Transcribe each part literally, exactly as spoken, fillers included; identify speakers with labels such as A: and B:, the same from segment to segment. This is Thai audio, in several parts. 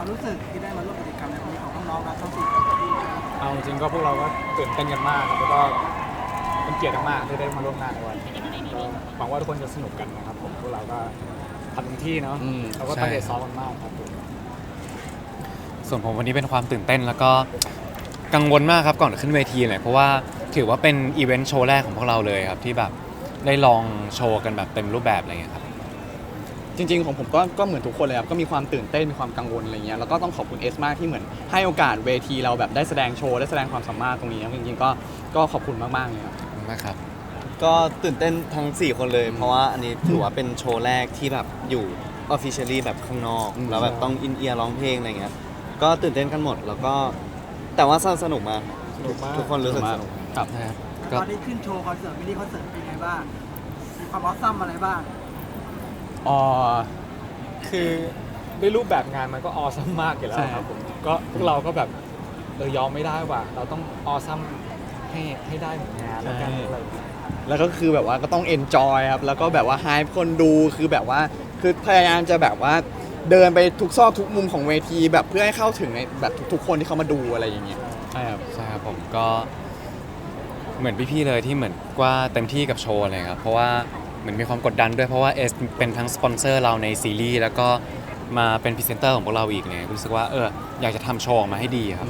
A: ความรู้สึกที่ได้มาร่วมกิจกรรมในวันนี้ของน้องๆครับทั้งสี่คน
B: เอาจริงๆก็พวกเราก็ตื่นเต้นกันมากครับแล้วก็เป็นเกียรติมากๆที่ได้มาร่วมงานในวันนี้ก็หวังว่าทุกคนจะสนุกกันนะครับผมพวกเราก็ทำเต็มที่เนาะ
C: อืม
B: เราก็ตั้งใจซ้อมกันมากครับผม
C: ส่วนผมวันนี้เป็นความตื่นเต้นแล้วก็กังวลมากครับก่อนขึ้นเวทีเลยเพราะว่าถือว่าเป็นอีเวนต์โชว์แรกของพวกเราเลยครับที่แบบได้ลองโชว์กันแบบเต็มรูปแบบอะไรเงี้ยครับ
D: จริงๆของผมก็ก็เหมือนทุกคนเลยครับก็มีความตื่นเต้นมีความกังวลอะไรเงี้ยแล้วก็ต้องขอบคุณเอสมากที่เหมือนให้โอกาสเวทีเราแบบได้แสดงโชว์ได้แสดงความสามารถตรงนี้ครับจริงๆก็ก็ขอบคุณมากๆเลยครับ
C: มากครับ
E: ก็ตื่นเต้นทั้งสี่คนเลย เพราะว่าอันนี้ถือว่าเป็นโชว์แรกที่แบบอยู่ officially แบบข้างนอก
D: อืม
E: แล้วแบบต้องอินเอียร์ร้องเพลงอะไรเงี้ยก็ตื่นเต้นกันหมดแล้วก็แต่ว่าสนุกมาก
B: สนุกมาก
E: ทุกคนรู้สึกสนุก
D: ครับ
C: นะครับ
A: ต
C: ก็
A: อนนี้ขึ้นโชว์คอนเสิร์ตมินิคอนเสิร์ตเป็นไงบ้างมีความออสซัมอะไรบ้าง
D: อ๋อ
B: คือด้วยรูปแบบงานมันก็ออซัมมากอยู่แล้ว
D: ใช่
B: ครับผมก็พวกเราก็แบบเออยอมไม่ได้ว่ะเราต้องออซัมให้ให้ได้เหมือนงานแล้วกันอะไรอย่างเงี้ย
D: แล้วก็คือแบบว่าก็ต้องเอนจอยครับแล้วก็แบบว่าให้คนดูคือแบบว่าคือพยายามจะแบบว่าเดินไปทุกซอกทุกมุมของเวทีแบบเพื่อให้เข้าถึงในแบบทุกๆคนที่เขามาดูอะไรอย่างเงี้ยใช่ครับ
C: ใช่ครับผมก็เหมือนพี่ๆเลยที่เหมือนว่าเต็มที่กับโชว์เลยครับเพราะว่าเหมือนมีความกดดันด้วยเพราะว่าเอสเป็นทั้งสปอนเซอร์เราในซีรีส์แล้วก็มาเป็นพรีเซนเตอร์ของพวกเราอีกเนี่ยรู้สึกว่าเอออยากจะทำโชว์ออกมาให้ดีครับ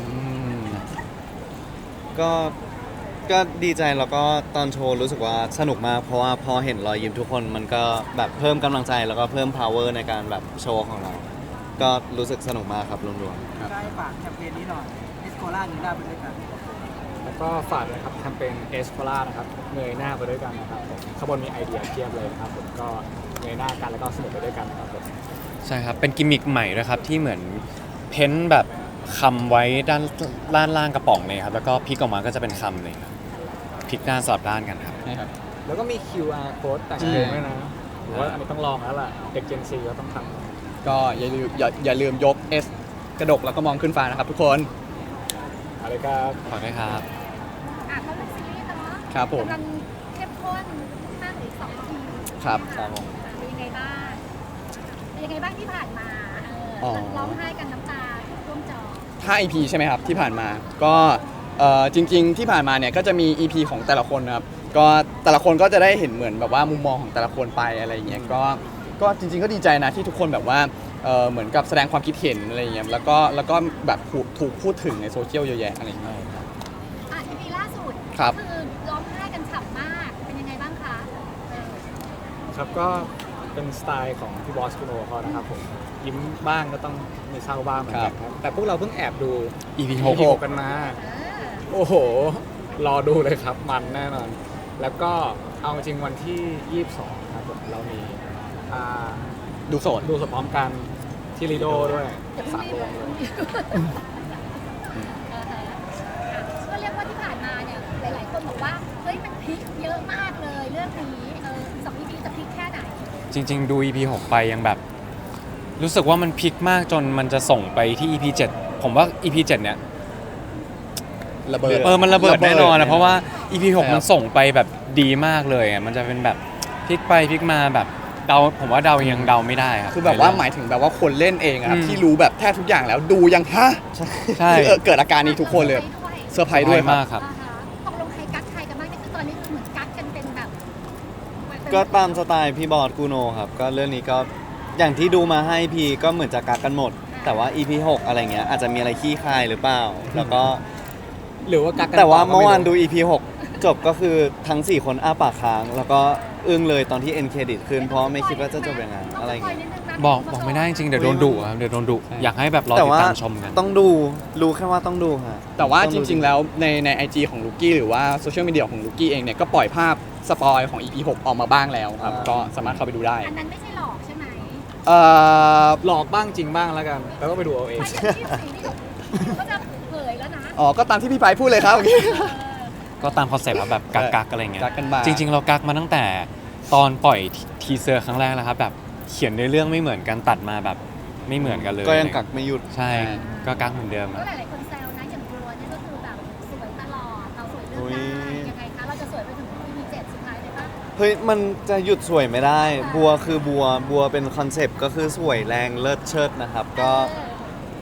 E: ก็ก็ดีใจแล้วก็ตอนโชว์รู้สึกว่าสนุกมากเพราะว่าพอเห็นรอยยิ้มทุกคนมันก็แบบเพิ่มกำลังใจแล้วก็เพิ่ม power ในการแบบโชว์ของเรา ก็รู้สึกสนุกมากครับรวมๆ
A: ได้ฝากแคมเปญนี้หน่อยเอสโคล่าหนึ่งหน้าไปด้วยกัน
B: แล้วก็ฝากนะครับแคมเปญเอสโ l ล่านะครับเงยหน้าไปด้วยกันนะครับผมข้างบนมีไอเดียเทียบเลยนะครับผมก็เงยหน้ากันแล้วก็สนุกไปด้วยกันนะครับผม
C: ใช่ครับเป็นกิมมิคใหม่ด้วยครับที่เหมือนเพ้นท์แบบคำไว้ด้านด้านล่างกระป๋องเลยครับแล้วก็พลิกออกมาก็จะเป็นคำเลยครับพลิกด้านสลับด้านกันครับ
D: ใช่ครับ
B: แล้วก็มี คิว อาร์ code แต่งเพลงด้วยนะหรือว่าอันนี้ต้องลองแล้วล่ะเด็ก Gen Z ก็ต้องทำ
D: ก็อย่าลืมอย่าอย่าลืมยก S กระดกแล้วก็มองขึ้นฟ้านะครับทุกคน
B: อะไรครับ
C: ขอด้วยครับ
F: อ่ะเขาเป็นซีรีส์เนาะ
D: ครับผม
F: กำลังเข้มข้นห้าหรือสองที
D: ครับ
E: ครับผม
F: เป็นยังไงบ้างเป็นยังไงบ้างที่ผ่านมาเอ
D: อ๋
F: อ
D: อ
F: ร้องไห้กันน้ำตาท่วมจอ
D: ห้า อี พี ใช่ไหมครับที่ผ่านมาก็เอ่อจริงๆที่ผ่านมาเนี่ยก็จะมี อี พี ของแต่ละคนนะครับก็แต่ละคนก็จะได้เห็นเหมือนแบบว่ามุมมองของแต่ละคนไปอะไรอย่างเงี้ยก็ก็จริงๆก็ดีใจนะที่ทุกคนแบบว่าเอ่อเหมือนกับแสดงความคิดเห็นอะไรอย่างเงี้ยแล้วก็แล้วก็แบบถูกถูกพูดถึงในโซเชียลเยอะแยะอะไรอย่างเงี้ย
F: อ่ะอีพีล่าสุด
D: ครับ
F: คือร้องไห้กันฉ่ำมากเป็นยังไงบ้างคะเออ
B: ครับก็เป็นสไตล์ของพี่บอสคุโนเขานะครับผมยิ้มบ้างก็ต้องมีเศร้าบ้างเหมือนกันครับแต่พวกเราเพิ่งแอบดู
C: อี พี
B: ห
C: หก
B: กกันมา
F: เออ
B: โอ้โห รอดูเลยครับมันแน่นอน แล้วก็เอาจริงวันที่ยี่สิบสองครับผมเรามีอ่า
D: ดูโสด
B: ดูสดพร้อมกันที่ลีโดด้วย
F: เดี๋ยวพ
B: สา
F: รุ่
B: ม
F: ง
B: โร
F: นี้
B: ง
F: เล
B: เลย ย
F: เอออ่ะก็เรียกว่าที่ผ่านมาเนี่ยหลายๆคนบอกว่าเฮ้ยมันพลิกเยอะมากเลยเรื่องนี้เออสองอีพีจะพลิกแค่ไหน
C: จริง ๆ ดู อี พี หกไปยังแบบ รู้สึกว่ามันพลิกมากจนมันจะส่งไปที่ อี พี เจ็ดผมว่า อี พี เจ็ดเนี่ย
D: ระเบิด
C: เออมันระเบิดแน่นอนนะเพราะว่า อี พี หก
D: ใช่ครับ
C: มันส่งไปแบบดีมากเลยอ่ะมันจะเป็นแบบพลิกไปพลิกมาแบบเดาผมว่าเดายังเดาไม่ได้ครับ
D: คือแบบว่าห
C: ใน
D: มายถึงแบบว่าคนเล่นเองอะครับ
C: อืม
D: ที่รู้แบบแทบทุกอย่างแล้วดูยังฮะ
C: ใช่
D: คือเออเกิดอาการนี้ทุกคนเลยเซอร์ไพรส์ด้วยครับ
C: มากครับ
F: อ่าฮะตกลงใครกักใครกันบ้างนี่คือตอนนี้คือเหมือนกักกันเป็นแบบ
E: ก็ตามสไตล์พี่บอสกูโนครับก็เรื่องนี้ก็อย่างที่ดูมาให้พีก็เหมือนจะกักกันหมด แต่ว่า อี พี หกอะไรเงี้ยอาจจะมีอะไรขี้คายหรือเปล่า แล้วก็
B: หรือว่ากักกัน
E: แต่ว่า
B: ก็ไ
E: เมื่อวานดู อี พี หก จบก็คือทั้ง สี่ คนอ้าปากค้าง แล้วก็อึ้งเลยตอนที่เอ็นเครดิตขึ้นเพราะไม่คิดว่าจะจบยังไงอะไรเงี้ย
C: บอกบอกไม่ได้จริงๆเดี๋ยวโดนดุครับเดี๋ยวโดนดุอยากให้แบบรอ
E: แต่
C: ติด
E: ว่า
C: ตามชมกัน
E: ต้องดูรู้แค่ว่าต้องดูฮะ
D: แต่ว่า
E: ต้อง
D: จ
E: ดู
D: ริง ๆ แล้วในในไอจีของลูกี้หรือว่าโซเชียลมีเดียของลูกี้เองเนี่ยก็ปล่อยภาพสปอยของ อี พี หกออกมาบ้างแล้วครับ
E: อ่า
D: ก็สามารถเข้าไปดูได้
F: อันนั้นไม่ใช่หลอกใช่ไหม
D: เอ่อ
B: หลอกบ้างจริงบ้างแล้วกัน แล้วก็ไปดูเอาเอง
F: ไม่ใช่ที่สิ่งที่เขาจะเผยแล้วนะ
D: อ๋อก็ตามที่พี่ไปพูดเลยครับ
F: เออ
C: ก็ตามคอนเซ็ปต์แบบกักกักๆอะไรเงี้ย
D: กักกันมา
C: จริง ๆ เรากักมาตั้งแต่ตอนปล่อยทีเซอร์ครั้งแรกแล้วครับแบบเขียนในเรื่องไม่เหมือนกันตัดมาแบบไม่เหมือนกันเลย
E: ก็ยังกักไม่หยุด
C: ใช่ก็กักเหมือนเดิม
F: ก็
C: อะ
F: หลายๆคนแซวนะอย่างบัวเนี่ยก็คือแบบสวยตลอดเราสวยเรื่
E: อุ๊
F: อง
E: ย
F: ได้ยังไงคะเราจะสวยไปถึง อี พี เจ็ดสุดท้ายเลยปะ
E: เฮ้ยมันจะหยุดสวยไม่ได้ บัวคือบัวบัวเป็นคอนเซปต์ก็คือสวยแรงเลิศเชิดนะครับ ก็
F: เออ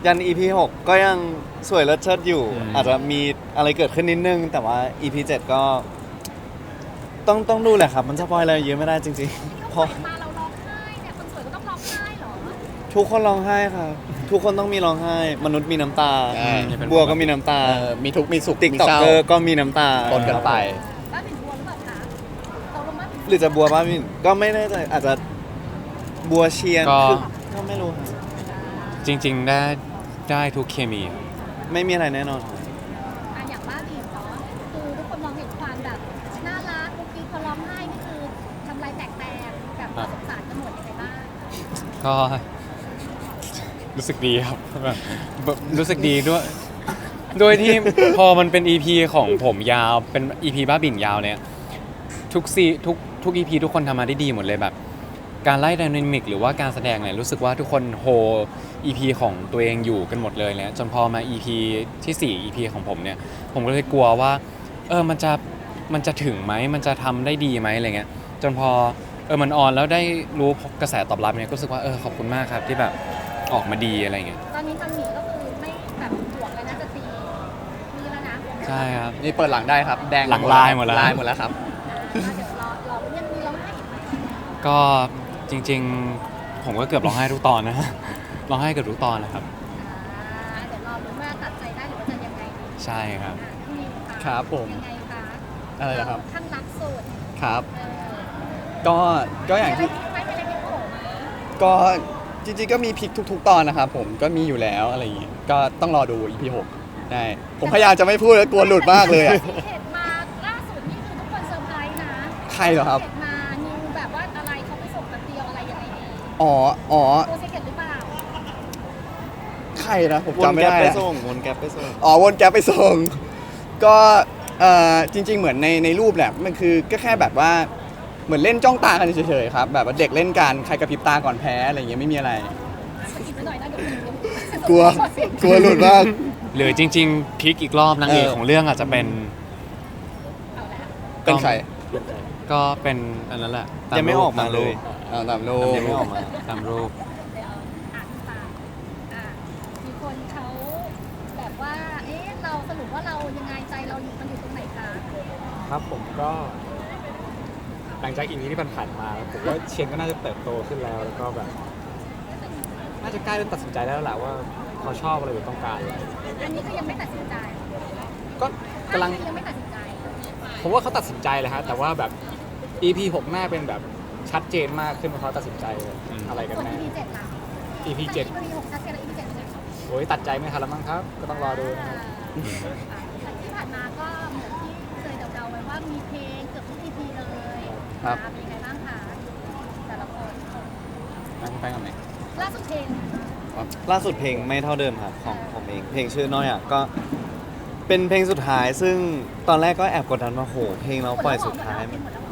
E: ยัน อี พี หกก็ยังสวยเลิศเชิดอยู่
C: อืม
E: อาจจะมีอะไรเกิดขึ้นนิดนึง แต่ว่า อี พี เจ็ดก็ต้องต้องดูแหละครับ มันสปอยอะไรเยอะไม่ได้จริงๆเพราะ
F: มาเราร้องไห้เนี่ยคนสวยก็ต้องร้องไห้เหรอ
E: ทุกคนร้องไห้ครับทุกคนต้องมีร้องไห้ มนุษย์มีน้ำตา
D: ใช่
E: บัวก็มีน้ำตา
D: เออมีทุกข์มีสุข
E: ติ๊ก
D: มี
E: ต็อก
D: เศร้า
E: เกอร์ก็มีน้ำตา
D: ปนกันไป
F: บ้านเป็นบัวหรือเปล่าคะเราลงมาเป็น
E: หรือจะบัวบ้ามินก็ไม่แน่ใจอาจจะบัวเชียน
C: ก็
E: คือก็ไม่รู้ครับ
C: จริง ๆ ได้ได้ทุกเคมีครับ
E: ไม่มีอะไรแน่นอน
F: อ่ะอย่างบ้าบีเนาะคือทุกคนมองเห็นความแบบน่ารักกุ๊กกิ๊กพอร้องไห้นี่คือทำลายแตกแตกแบบน่าสงสารกันหมดยังไงบ้าง
C: ก็รู้สึกดีครับแบบแบบรู้สึกดีด้วยโดยที่ พอมันเป็น อี พี ของผมยาวเป็น อี พี บ้าบิ่นยาวเนี่ยทุกซีทุกทุก อี พี ทุกคนทำมาได้ดีหมดเลยแบบ การไล่ไดนามิกหรือว่าการแสดงเนี่ยรู้สึกว่าทุกคนโฮ อี พี ของตัวเองอยู่กันหมดเลยเนี่ยจนพอมา อี พี ที่สี่ อี พี ของผมเนี่ยผมก็เลยกลัวว่าเออมันจะมันจะถึงไหมมันจะทำได้ดีไหมอะไรเงี้ยจนพอเออมันออนแล้วได้รู้กระแสตอบรับเนี่ยก็รู้สึกว่าเออขอบคุณมากครับที่แบบออกมาดีอะไรเงี้ย
F: ตอนนี้ทางหนีก็คือไม่แบบห่วงเลยนะจะตีมีแล้วนะ
C: ใช่ครับ
D: นี่เปิดหลังได้ครับ แดง
C: หลังลายหมดแล้ว
D: ลายหมดแล้วครับ
F: อ่ะเดี๋ยวรอรอยังมีร้องไห้อีกไหม
C: ก็จริงๆ ผมก็เกือบร้องไห้ทุกตอนนะ ร้องไห้เกือบทุกตอนนะครับ
F: อ่าเดี๋ยวรอรู้ว่าตัดใจได้หรือว่าจะยังไงดี
C: ใช่ครับ
F: อ่ะพี่นิวะ
D: ครับผม
F: ยังไงคะ
D: อะไรนะครับ
F: ข้างรักสุด
D: ครับ
F: เออ
D: ก็ก็อย่าง
F: มีอะไร
D: ที่
F: ที่ไม่มีอะไรที่โผล่ไหม
D: ก็จริงๆก็มีพลิกทุก ๆ ตอนนะครับผมก็มีอยู่แล้วอะไรอย่างเงี้ยก็ต้องรอดู อี พี หกได้ผมพยายามจะไม่พูดแล้วกลัวหลุดมากเลยอะ
F: ที่เห็นมาล่าสุดนี่คือทุกคนเซอร์ไพรส์นะ
D: ใครเหรอครับ
F: เห็นมานิวแบบว่าอะไรเขาไปส่งแป๊บเดียวอะไรยังไงดี
D: อ๋ออ๋อ
F: ตัวซีเกตหรือเปล่า
D: ใครนะผม
E: วน
D: จำไม่
E: แก๊ป
D: ได้
E: ไป
D: อะ
E: ส่งวนแก๊ปไปส่ง
D: อ๋อวนแก๊ปไปส่ง ก็เอ่อจริง ๆ เหมือนในในรูปแหละมันคือก็แค่แบบว่าเหมือนเล่นจ้องตากันเฉยๆครับแบบว่าเด็กเล่นกันใครกระพริบตาก่อนแพ้อะไรอย่างเงี้ยไม่มีอะไร
F: สกิปไปหน่อยนะเดี๋ยวเดี๋ยว
D: กลัวกลัวหลุดมาก
C: หรือจริงๆพลิกอีกรอบนางเอก
D: เออ
C: ของเรื่องอาจจะเป็น
F: เอาละ
D: เป็นใคร
C: ก็เป็นอันนั้นแหละต
E: ยังไม่
C: รูป
E: ออกมาเลย
D: อ่าตามรูป
E: ยังไม่ออกมา
C: ตามรูป
F: เดี๋ยวอ่านตามอ่ะมีคนเขาแบบว่า เอ๊ะ เราสรุปว่าเรายังไงใจเราอยู่มันอยู่ตรงไหนคะ
B: ครับผมก็ หลังจากอีพีที่ผ่านๆมาผมว่าเชนก็น่าจะเติบโตขึ้นแล้ว แล้วก็แบบ น่าจะใกล้เริ่มตัดสินใจได้แล้วแหละว่าเขาชอบอะไรหรือต้องการอะไร
F: อันนี้คือยังไม่ตัดสินใจ
B: ก็กำลัง
F: ยังไม่ตัดสินใจ
B: ผมว่าเขาตัดสินใจเลยฮะแต่ว่าแบบ อี พี หกหน้าเป็นแบบชัดเจนมากขึ้นว่าเขาตัดสินใจอะไรกัน
F: ส่วน
B: แน่
F: อี พีเจ็ดล่ะ
B: อี พี เจ็ด
F: อี พีหกชัดเจนแล้ว อี พี เจ็ดเป็นไง
B: โอ้ยตัดใจไม่ทันแล้วมั้งครับ ก็ต้องรอดูนะครับ
F: อ่าที่ผ่านมาก็เหมือนที่เคยเดาๆไว้ว่ามีเพลงเกือบทุก อี พี เลย
D: ครับ
F: อ่าเป็นยังไงบ้างคะแต่ละคน
C: นั่งไปกันไหน
F: ล่าสุดเพลง
E: ล่าสุดเพลงไม่เท่าเดิมครับของผมเอง เพลงชื่อน้อยอ่ะก็เป็นเพลงสุดท้าย ซึ่งตอนแรกก็แอบกดดันว่าโหเพลงเราปล่อยสุดท้าย
F: หมดแล้วเหรอ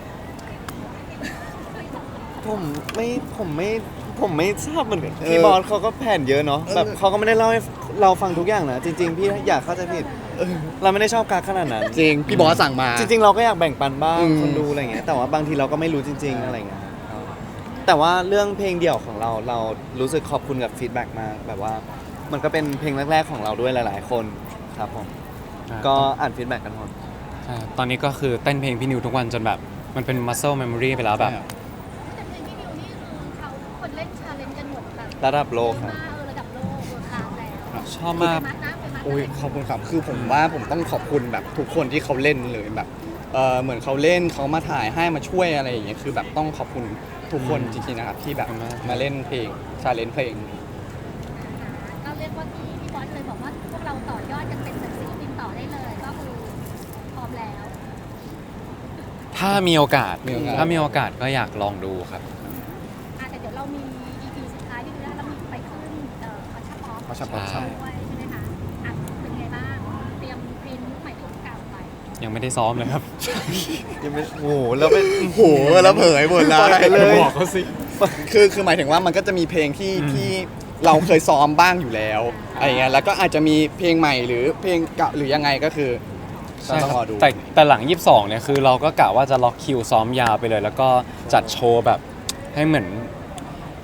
E: ผมไม่ผมไม่ผมไม่ทราบเหมือนกัน
D: เออ
E: พี่บอสเขาก็แผนเยอะเนาะ
D: เออ
E: แบบเขาก็ไม่ได้เล่าให้เราฟังทุกอย่างนะจริง ๆ พี่อยากเข้าใจผิดเราไม่ได้ชอบการขนาดนั้น
D: จริงพี่บอสสั่งมา
E: จริง ๆ เราก็อยากแบ่งปันบ้าง
D: อืม
E: คนดูอะไรเงี้ยแต่ว่าบางทีเราก็ไม่รู้จริง ๆ อะไรเงี้ยแต่ว่าเรื่องเพลงเดี่ยวของเราเรารู้สึกขอบคุณกับฟีดแบ็กมากแบบว่า มันก็เป็นเพลงแรก ๆ ของเราด้วยหลาย ๆ คนครับผมก็อ่านฟีดแบ็กกันหมด
C: ใช่ตอนนี้ก็คือเต้นเพลงพี่นิวทุกวันจนแบบมันเป็น muscle memory ไปแล้วแบบ
F: แต่เพลงพี่นิวนี่คือเขาทุกคนเล่นชาเลนจ์กันหมดแบบ
E: ระดับโลกครับ
F: เยอะมากเออระดับโลกเวิร์คลาสแล้ว
C: ชอบมาก
F: ไปมัดนะไปมัด
D: อุ้ยขอบคุณครับคือผมว่าผมต้องขอบคุณแบบทุกคนที่เขาเล่นเลยแบบเออเหมือนเขาเล่นเขามาถ่ายให้มาช่วยอะไรอย่างเงี้ยคือแบบต้องขอบคุณทุกคนจริงๆนะครับที่แบบ
C: ขอบคุณมาก
D: มาเล่นเพลงชาเลนเพลง
F: ก็เรียกว่าที่พี่บอสเคยบอกว่าพวกเราต่อยอดกันเป็นศิลปินต่อได้เลยก็คือพร้อมแล้ว
C: ถ้ามีโอกาส
D: มีโอกาส
C: ถ้ามีโอกาสก็อยากลองดูครับ
F: อ่ะแต่เดี๋ยวเรามี อี พี สุดท้ายที่เรามีไปขึ้นเอ่อคอนชัพออฟ
D: คอนเสิร์ต
C: ใช่
F: ด้วยใช่ไหมคะอ่ะเป็นไงบ้างเตรียมเพลงใหม่ทุกเก่าไป
C: ยังไม่ได้ซ้อมเลยครับ
E: ยังไม่โอ้โหแล้วเป็น
D: โอ้โหแล้วเผยหมดเล
E: ปล่อย
D: ย
E: ไปเลย
C: บอกเขาสิ
D: คือคือหมายถึงว่ามันก็จะมีเพลงที่
C: อืม
D: ที่เราเคยซ้อมบ้างอยู่แล้วอะไรเงี้ยแล้วก็อาจจะมีเพลงใหม่หรือเพลงเก่าหรือยังไงก็คือก็
C: ใช่
D: ต้อง
C: ค
D: ร
C: รั
D: อบ ดู
C: แต่แต่หลังยี่สิบสองเนี่ยคือเราก็กะว่าจะล็อกคิวซ้อมยาวไปเลย แล้วก็จัดโชว์แบบให้เหมือน พ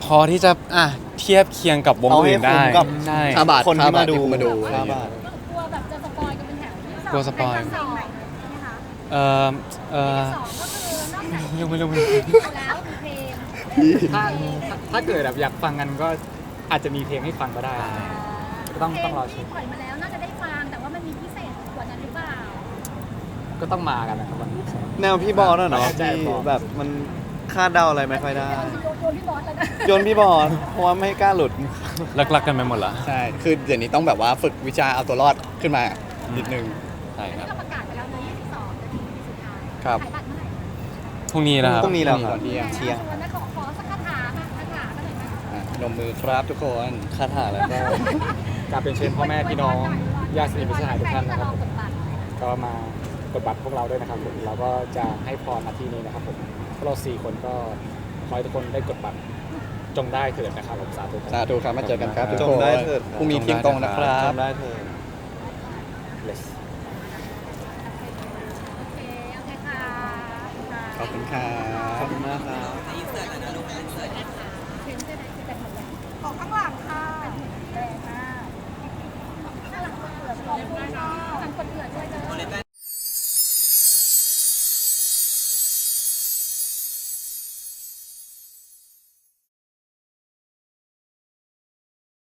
C: พอที่จะอ่ะเทียบเคียงกับวง
E: เอาให้
C: อื่นได้
E: คุ้มกับ
C: ใช่
D: ห้าบาท
E: คนที่
D: ห้าบา
E: มา
D: ท
E: ดู
D: ที่คุณมาดูอะไร
E: ห้า
D: อย่างเงี้
E: บาย ท
F: กลัวแบบจะสปอยกันเป็นแถวที่สอง
C: กลัวสปอย
F: เป็นสองใช่ไหมคะ
C: เออเออ
F: สองก็คือนอกจาก
C: ไม่รู้ไม่รู้ไม่
F: เพล
C: รู้
F: งแล้วมีเพลง
B: ถ้าถ้าถ้าเกิดแบบอยากฟังกันก็อาจจะมีเพลงให้ฟังก็ได้ ก็ต้อง
F: เพล
B: ต้องรอช
F: ที่
B: ม
F: ปล่อยมาแล้วน่าจะได้ฟังแต่ว่ามันมีพิเศษกว่านั้นหรือเปล่า
B: ก็ต้องมากันนะครับวันนี้
E: แนวพี่บอสอะเนาะ
B: ใช่
E: ที่
B: บอส
E: แบบมันคาดเดาอะไรไม่ค่อยได้
F: โยนโยนพี่บอสแล้วนะ
E: โยนพี่บอสเพราะว่าไม่กล้าหลุด
C: ลักๆกันไปหมดละ
D: ใช่ คือเดี๋ยวนี้ต้องแบบว่าฝึกวิชาเอาตัวรอดขึ้นมานิดนึง
C: ใช่
F: อัน
C: ค
F: นี้
C: รับ
F: เราประกาศไปแล้วเนอะยี่สิบสองนาทีสุดท้าย
D: ครับ
F: ขายบัตรเมื่อไหร่
C: พรุ่งนี้นะครับ
E: พรุ่งนี้แล้วครับ
D: พรุ่งนี้ตอนเที่ยง
E: เที่ยง
F: ชวนนะขอขอสักคาถามาคาถากันหน่อยไหม
D: อ่ะนมมือครับทุกคน
E: คาถาอะไร
B: ก็การเป็นเชิญพ่อแม่พี่น้องญาติสนิทมิตรสหายทุกท่านนะครับผม ก็มากดบัตรพวกเราด้วยนะครับผมเราก็จะให้พรมาที่นี้นะครับผมพวกเราสี่คนก็ขอให้ทุกคนได้กดบัตรจงได้เถิดนะครับผมสาธุครับ
D: สาธุครับมาเจอกันครับทุก
E: จ
D: ค
E: ง
D: น
E: ได้เถิด
D: พรุ่งนี้เที่ยงตรงนะครับ
E: จำได้เธอ
B: Bless
F: โอเคโอเคค่ะ
D: ขอบคุณครับ